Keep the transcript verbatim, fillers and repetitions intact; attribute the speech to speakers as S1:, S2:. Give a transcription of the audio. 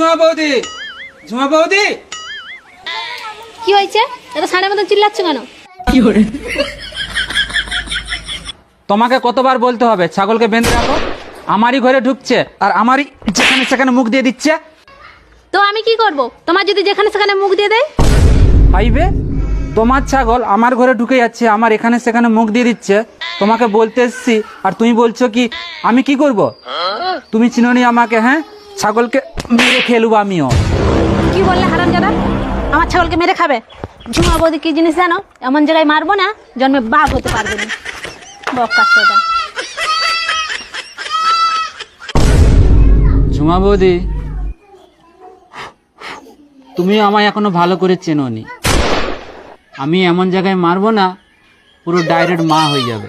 S1: ঝুমা বৌদি, ঝুমা বৌদি,
S2: কি হয়েছে? এত সাড়ে মতন চিল্লাচ্ছ কেন?
S1: তোমাকে কতবার বলতে হবে ছাগলকে বেঁধে রাখো? আমারই ঘরে ঢুকছে আর আমারই যেখানে সেখানে মুখ দিয়ে দিচ্ছে।
S2: তো আমি কি করব? তোমার যদি যেখানে সেখানে মুখ দিয়ে দেয়?
S1: পাইবে, তোমার ছাগল আমার ঘরে ঢুকে যাচ্ছে, আমার এখানে সেখানে মুখ দিয়ে দিচ্ছে। তোমাকে বলতে এসছি আর তুমি বলছো কি আমি কি করব? তুমি চিনোনি আমাকে? হ্যাঁ, ছাগলকে মেরে খেলবো আমিও।
S2: কি বললে হারামজাদা? আমার ছাগলকে মেরে খাবে? ঝুমা বৌদি কি জিনিস জানো? এমন জায়গায় মারবো না জন্মে বাঘ হতে পারবে না। বক্কাসোদা।
S1: ঝুমা বৌদি, তুমি আমায় এখনো ভালো করে চেনোনি। আমি এমন জায়গায় মারবো না পুরো ডাইরেক্ট মা হয়ে যাবে।